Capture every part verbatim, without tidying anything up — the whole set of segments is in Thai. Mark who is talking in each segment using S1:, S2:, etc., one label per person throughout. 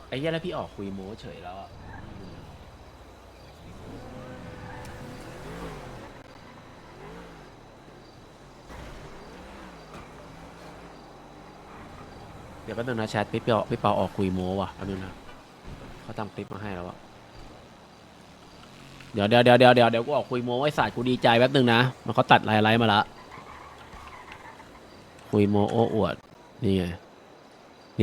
S1: ไอ้เหี้ยแล้วพี่ออกคุยโม้เฉยแล้วอะเดี๋ยวแป๊บนึงนะแชทพี่เปาพี่เปาออกคุยโม้ว่ะแป๊บนึงนะเขาทำคลิปมาให้แล้วอะเดี๋ยวเดี๋ยวเดี๋ยวเดี๋ยวเดี๋ยวเดี๋ยวกูออกคุยโม้ไอ้สัตว์กูดีใจแป๊บนึงนะมันเขาตัดไลน์ไลน์มาละคุยโม้โอ้อวดนี่ไงนี่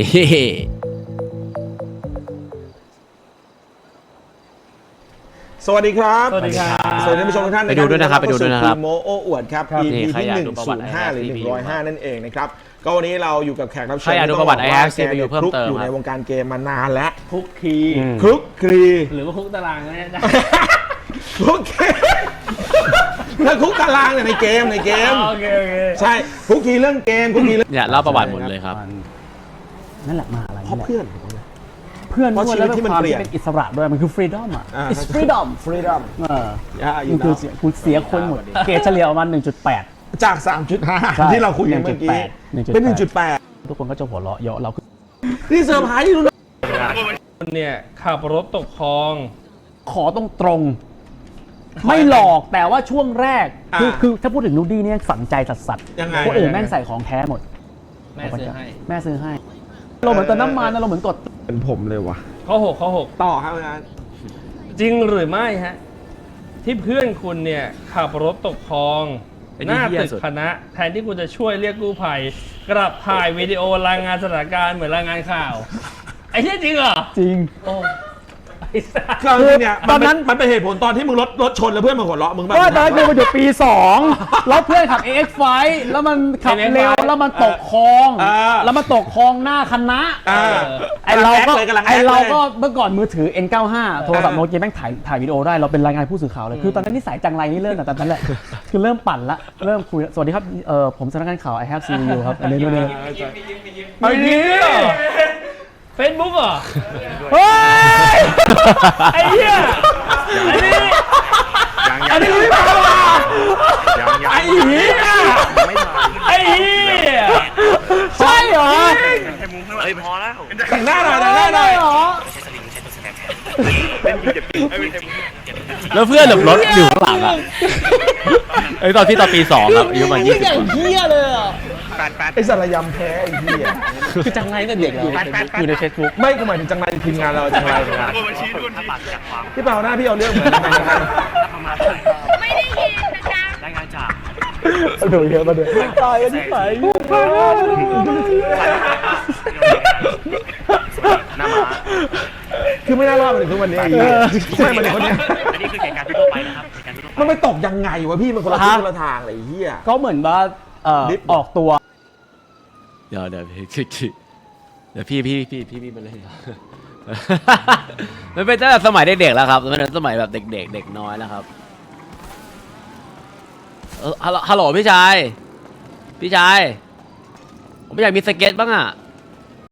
S2: สวัสดีครับ
S3: สวัสดีครับ
S2: สวัสดีท่านผู้ชมทุกท่าน
S1: ไปดูด้วยนะครับไปดูด้วยนะครับ
S2: โมโออวดครับ
S1: ครับ
S2: อี
S1: นี่
S2: พี
S1: ใคร
S2: ที่
S1: อยาก
S2: หนึ่ง
S1: ดูประ
S2: ศู
S1: วัติ
S2: นย์ห้าหรือ
S1: ไอ
S2: ห
S1: แฮป
S2: นึ่งร้อยห้านั่นเองนะครับก็วันนี้เราอยู่กับแขกรับเชิญ
S1: ใครอยากดูประวัติไอแฮปซีพียูเพิ่มเติม
S2: อยู่ใน
S1: ครับ
S2: วงการเกมมานานแล้ว
S3: คุกคี
S2: คลุกคลี
S3: หรือว่าคุกตารางก็ได้
S2: คลุกคลีแล้วคุกตารางเนี่ยในเกมในเกม
S3: โอเคโอเค
S2: ใช่คลุกคลีเรื่องเกมคลุกคลีเรื่อง
S1: เนี่ยเล่าประวัติหมดเลยครับ
S3: นั่นแหละมหาอะไร
S2: เพราะ
S3: นี่แหละ
S2: เพื่อน
S3: เพื่อน
S2: เพราะ
S3: ด้วย
S2: ชีวิ
S3: แล้
S2: ต
S3: ว
S2: ที่
S3: เป็น
S2: มัน
S3: ความ
S2: เปลี่ยน
S3: ที่เป็นอิสระด้วยมันคือ freedom อ่ะ
S2: อ่า
S3: it's freedom
S2: ฟรีดอม
S3: เออ
S2: อย่าอยู่
S3: มันคือ
S2: นะ
S3: เสียกูเสียคนหมด เกรดเฉลี่ยประมาณหนึ่งจุดแปด
S2: จาก สามจุดห้า
S3: ใช่
S2: ที่เราคุยกันเมื่อกี้
S3: หนึ่งจุดแปด
S2: เป็น หนึ่งจุดแปด
S3: ทุกคนก็จะหัวเราะเยาะเราคือ
S2: นี่เซอร์ไพรส์ดูนะ
S4: คุณเนี่ยขับรถตกคลอง
S3: ขอตรงตรงๆไม่หลอกแต่ว่าช่วงแรก คือคือถ้าพูดถึงนูดี้เนี่ยฝังใจสัสสัส
S2: ยังไง
S3: คนอื่นแม่งใส่ของแท้หมด
S4: แม่ซื้อให้
S3: แม่ซื้อให้ เราเหมือนเติมน้ำมันนะเราเหมือนกด
S2: เป็นผมเลยว่ะ
S4: ข้อหกข้อหก
S2: ต่อครับอาจารย์
S4: จริงหรือไม่ฮะ ที่เพื่อนคุณเนี่ยขับรถตกคลอง
S1: ไอ้
S4: ห
S1: นี่
S4: น้า
S1: เหี้ย
S4: ตึก
S1: สุด
S4: คณะ แทนที่คุณจะช่วยเรียกกู้ภัย กลับถ่ายวิดีโอรายงานสถานการณ์เหมือนรายงานข่าว ไอ้ที่จริงเหรอ
S3: จริง
S4: โอ้ไอ้สัส
S2: คือจริงๆเนี่ย
S3: ตอนนั้น
S2: มันเป็นเหตุผลตอนที่มึงรถรถชนแล้วเพื่อนมาหัวเราะมึงแบบ
S3: ก็ตอนนั้นคือมันอยู่ปีสองแล้วเพื่อนขับ เอ เอ็กซ์ ไฟว์ แล้วมันขับเร็วแล้วมันตกคลอง แล้วมันตกคลองหน้าคณะ
S2: อ่า
S3: ไอเราก็
S2: กำลัง
S3: ไอ
S2: แอคเลย
S3: เราก็เมื่อก่อนมือถือ เอ็น เก้าสิบห้า โทรศัพท์โนเกียแม่งถ่ายถ่ายวิดีโอได้เราเป็นรายงานผู้สื่อข่าวเลยคือตอนนั้นนิสัยจังไรนี่เริ่มแต่ตอนนั้นแหละคือเริ่มปั่นละเริ่มคุยสวัสดีครับเออผมสำนักงานข่าว I have seen you ครับอันนี้ด้วยนะ
S4: ไอ้นี่เฟซบุ๊กเหรอ
S3: เฮ้ย
S4: ไอ้เหี้ยอันนี้
S2: อันนี้ไม่มาว่ะไอ้เหี้ย
S4: ไอ้เหี้ย
S3: ใช่เหรอ
S5: เฮ้ยพอแล้ว
S2: แต่งหน้าหน่อยแต่งหน้าหน่อย
S3: เหรอ
S1: แล้วเพื่อนหลบรถอยู่ข้างหลังอ่ะไอ้ตอนที่ตอนปีสองครับอายุประมาณยี่สิบ
S3: อย่างเหี้ยเลยอ่ะ
S5: แปดแปด
S2: ไอ้สารยำแพ้ไอ้เหี้ย
S3: คือจังไรตั้งแต่เด็กอยู่อยู่ในเฟซบุ๊ก
S2: ไม่กูหมายถึงจังไรทีมงานเราจังไรทีมงาน
S5: บัญชีด้วยถ้าปากจากความ
S2: พี่เปาหน้าพี่เอาเรื่องเหมือนกันนะ
S5: ประมาณ
S6: ไม่ได้ยินนะจ๊ะ
S5: รายงานจาก
S2: มาดูเยอะมาดูตายกันที่ไหน
S5: หน้าม้า
S2: คือไม่น่ารอดมาถึงทุกวันนี้ไอ้เหี้ยไม่มาถึงคนเนี้ย
S5: อันนี้คือเหตุการณ์ทั่วไปนะครับเหตุการณ์ทั่วไป
S2: มันไปตกยังไงวะพี่มันคนละทิศคนละทางเลยไอ้เหี้ย
S3: ก็เหมือนว่าเอ่อ
S2: ดิฟ
S3: ออกตัว
S1: เดี๋ยวเดี๋ยวพี่เดี๋ยวพี่พี่พี่พี่พี่มันเลยมันเป็นตั้งแต่สมัยเด็กๆแล้วครับมันเป็นสมัยแบบเด็กๆเด็กน้อยแล้วครับเออฮัลโหลฮัลโหลพี่ชายพี่ชายผมอยากมีสเก็ตบ้างอ่ะ